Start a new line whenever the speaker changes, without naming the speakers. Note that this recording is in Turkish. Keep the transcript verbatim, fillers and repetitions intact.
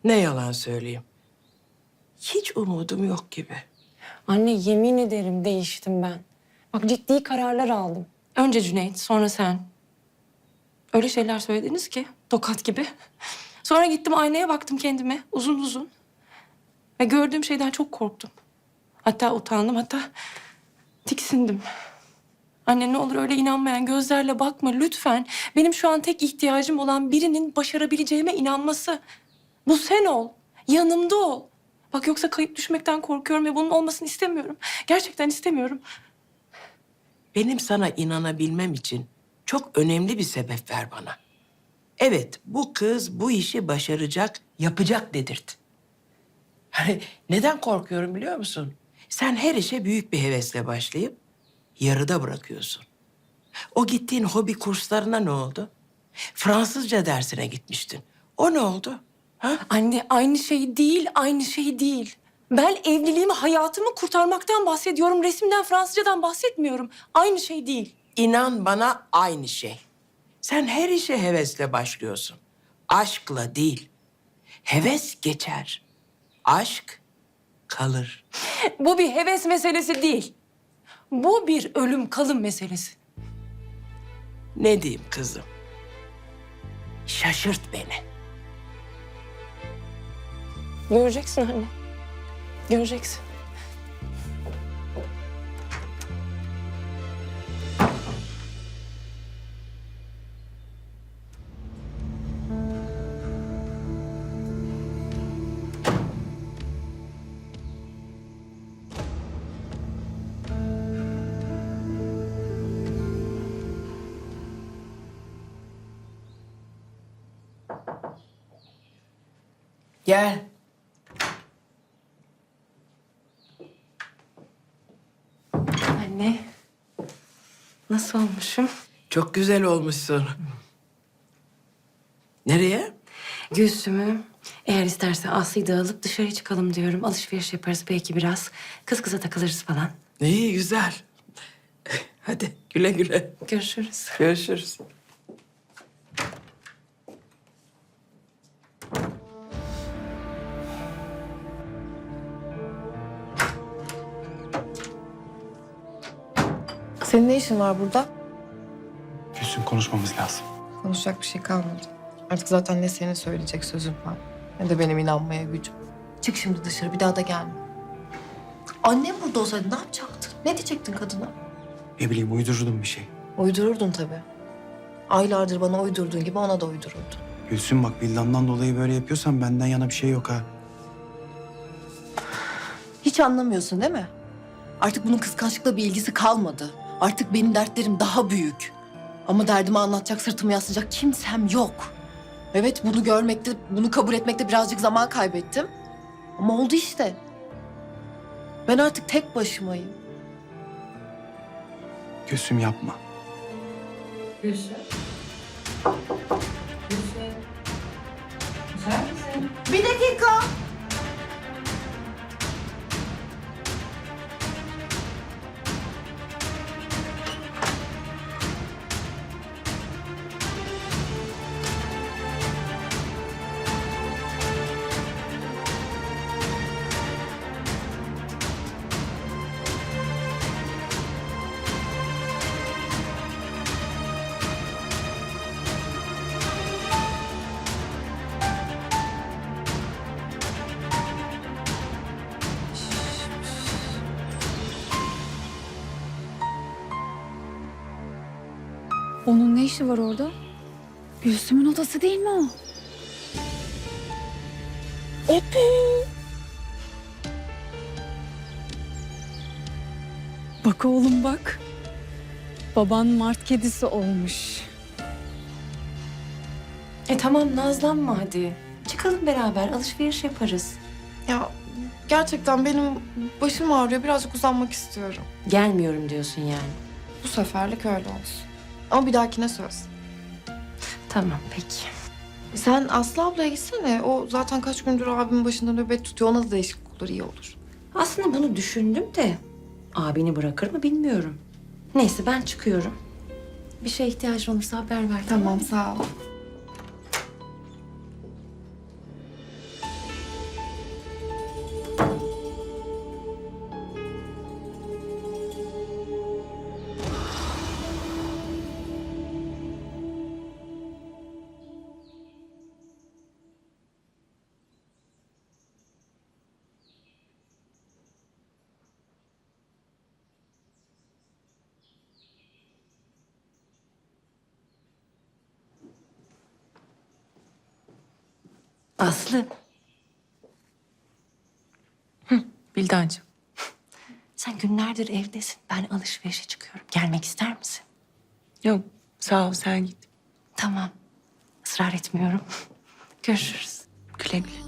Ne yalan söyleyeyim. Hiç umudum yok gibi.
Anne yemin ederim değiştim ben. Bak ciddi kararlar aldım. Önce Cüneyt, sonra sen. Öyle şeyler söylediniz ki tokat gibi. Sonra gittim aynaya baktım kendime uzun uzun. Ve gördüğüm şeyden çok korktum. Hatta utandım, hatta tiksindim. Anne ne olur öyle inanmayan gözlerle bakma lütfen. Benim şu an tek ihtiyacım olan birinin başarabileceğime inanması. Bu sen ol. Yanımda ol. Bak yoksa kayıp düşmekten korkuyorum ve bunun olmasını istemiyorum. Gerçekten istemiyorum.
Benim sana inanabilmem için çok önemli bir sebep ver bana. Evet, bu kız bu işi başaracak, yapacak dedirt. Hani neden korkuyorum biliyor musun? Sen her işe büyük bir hevesle başlayıp yarıda bırakıyorsun. O gittiğin hobi kurslarına ne oldu? Fransızca dersine gitmiştin. O ne oldu? Ha?
Anne aynı şey değil, aynı şey değil. Ben evliliğimi, hayatımı kurtarmaktan bahsediyorum. Resimden, Fransızcadan bahsetmiyorum. Aynı şey değil.
İnan bana aynı şey. Sen her işe hevesle başlıyorsun. Aşkla değil. Heves geçer. Aşk kalır.
Bu bir heves meselesi değil. Bu bir ölüm kalım meselesi.
Ne diyeyim kızım? Şaşırt beni.
Göreceksin anne. Göreceksin.
Gel.
Anne. Nasıl olmuşum?
Çok güzel olmuşsun. Nereye?
Gülsüm'ü eğer isterse Aslı'yı da alıp dışarı çıkalım diyorum. Alışveriş yaparız belki biraz. Kız kıza takılırız falan.
İyi, güzel. Hadi güle güle.
Görüşürüz.
Görüşürüz.
Senin ne işin var burada?
Gülsüm, konuşmamız lazım.
Konuşacak bir şey kalmadı. Artık zaten ne senin söyleyecek sözün var, ne de benim inanmaya gücüm. Çık şimdi dışarı, bir daha da gelme. Annem burada olsaydı ne yapacaktın? Ne diyecektin kadına?
Ne bileyim, uydururdum bir şey.
Uydururdun tabii. Aylardır bana uydurduğun gibi ona da uydururdun.
Gülsüm bak, villandan dolayı böyle yapıyorsan benden yana bir şey yok ha.
Hiç anlamıyorsun değil mi? Artık bunun kıskançlıkla bir ilgisi kalmadı. Artık benim dertlerim daha büyük. Ama derdimi anlatacak, sırtımı yaslayacak kimsem yok. Evet, bunu görmekte, bunu kabul etmekte birazcık zaman kaybettim. Ama oldu işte. Ben artık tek başımayım.
Gülsüm yapma.
Gülsüm. Gülsüm. Güzel misin?
Bir dakika.
Onun ne işi var orada? Gülsüm'ün odası değil mi o? Bak oğlum bak. Baban mart kedisi olmuş.
E tamam nazlanma hadi. Çıkalım beraber alışveriş yaparız.
Ya gerçekten benim başım ağrıyor. Birazcık uzanmak istiyorum.
Gelmiyorum diyorsun yani.
Bu seferlik öyle olsun. Ama bir dahakine söz.
Tamam peki.
Sen Aslı ablaya gitsene. O zaten kaç gündür abimin başında nöbet tutuyor. Ona da değişiklik olur, iyi olur.
Aslında bunu düşündüm de abini bırakır mı bilmiyorum. Neyse ben çıkıyorum. Bir şeye ihtiyacın olursa haber ver.
Tamam, sağ ol.
Aslı. Hı, Bildancığım. Sen günlerdir evdesin. Ben alışverişe çıkıyorum. Gelmek ister misin?
Yok sağ ol sen git.
Tamam. Israr etmiyorum. Görüşürüz.
Güle güle.